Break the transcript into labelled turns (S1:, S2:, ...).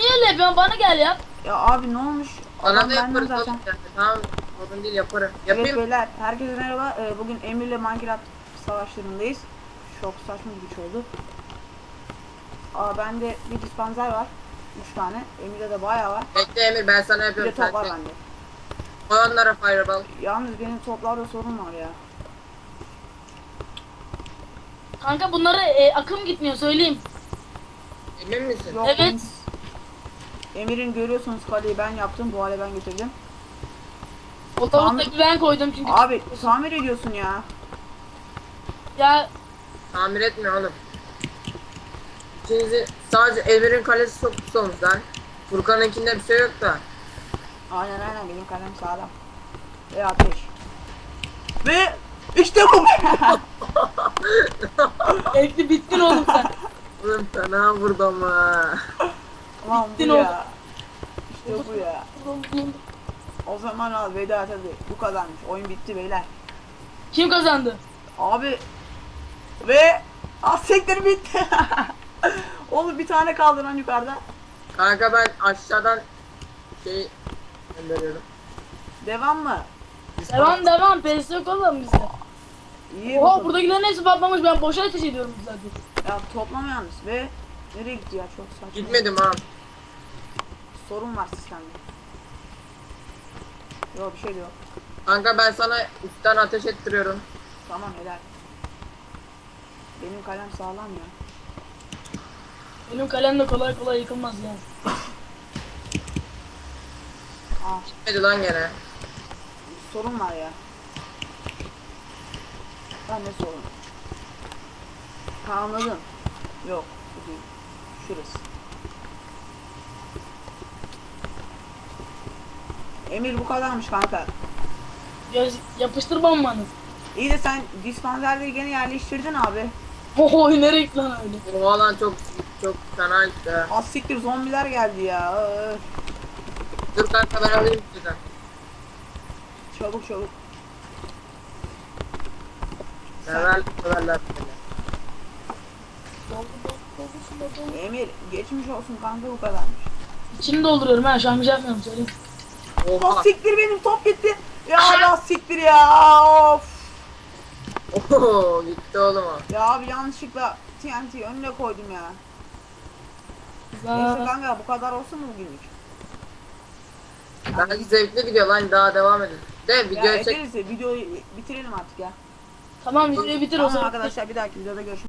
S1: niye öyle yapıyorsun? Bana gel ya.
S2: Ya abi ne olmuş?
S3: Bana
S2: Adam
S3: da
S2: benden
S3: yaparız
S2: zaten.
S3: oğlum yani. Tamam. Sorun değil yaparım.
S2: Evet
S3: Yapayım.
S2: beyler, herkese merhaba. Bugün Emir'le Minecraft savaşlarındayız. Çok saçma bir güç oldu. Bende bir dispanzer var. 3 tane. Emir'de de bayağı var.
S3: Bekle Emir ben sana
S2: Bir de
S3: yapıyorum.
S2: top var
S3: Sen
S2: bende.
S3: koy onlara fireball.
S2: Yalnız benim toplarda sorun var ya.
S1: Kanka bunlara akım gitmiyor söyleyeyim.
S3: Emin misin?
S2: Yok,
S1: Evet.
S2: Emir'in görüyorsunuz kaleyi ben yaptım. Bu hale ben getirdim.
S1: O
S2: Tamam.
S1: tavuktaki ben koydum çünkü.
S2: Abi tamir ediyorsun ya.
S1: Ya
S3: Tamir etmiyor oğlum. İkinizi sadece Emir'in kalesi çok pis olmuş lan. Furkan'ınkinde bir şey yok da.
S2: Aynen benim kalem sağlam. Ve ateş. Ve işte bu.
S1: ekli bittin oğlum sen.
S3: Oğlum fena vurdum ha.
S2: Ulan bu
S1: Bittin
S2: ya. İşte bu ya. O zaman al veda tabii. Bu kadarmış. Oyun bitti beyler.
S1: Kim kazandı?
S2: Abi ve sektir bitti. Oğlum bir tane kaldı lan yukarıda.
S3: Kanka ben aşağıdan şey gönderiyorum.
S2: Devam mı?
S1: Devam. Pes yok oğlum bizde.
S2: İyi
S1: Oha
S2: bakalım.
S1: buradakilerin hepsi patlamış. Ben boşa ateş ediyorum zaten.
S2: Ya toplama yalnız ve nereye gitti ya çok saçma.
S3: Gitmedim ha.
S2: Sorun var sistemde. Yok bir şey de yok.
S3: Kanka ben sana üstten ateş ettiriyorum.
S2: Tamam helal. Benim kalem sağlam ya.
S1: Benim kalem de kolay kolay yıkılmaz yani.
S3: Gitmedi lan gene.
S2: Sorun var ya. Ne sorun? Anladım. Yok bu değil. Şurası. Emir bu kadarmış kanka.
S1: Yapıştır bombanı.
S2: İyi de sen dispanzerleri gene yerleştirdin abi.
S1: Oho nereye gitti lan öyle?
S3: Bu alan çok fena işte.
S2: Az siktir zombiler geldi ya.
S3: Dur kanka ben alayım sizden.
S2: Çabuk.
S3: Severler beni.
S2: Emir geçmiş olsun kanka bu kadarmış.
S1: İçini dolduruyorum ha şu an bir şey yapmıyorum söyleyeyim.
S3: Oha.
S2: Az siktir benim top gitti. Ya az siktir ya. Of.
S3: Oho gitti oğlum o.
S2: Ya abi yanlışlıkla TNT önüne koydum ya. Neyse kanka bu kadar olsun mu bugünlük?
S3: Bence zevkli gidiyor lan daha devam edin. De
S2: Ya
S3: video çek.
S2: ederiz ya videoyu bitirelim artık ya.
S1: Tamam videoyu bitir o
S2: Tamam
S1: zaman.
S2: arkadaşlar bir dahaki videoda görüşürüz.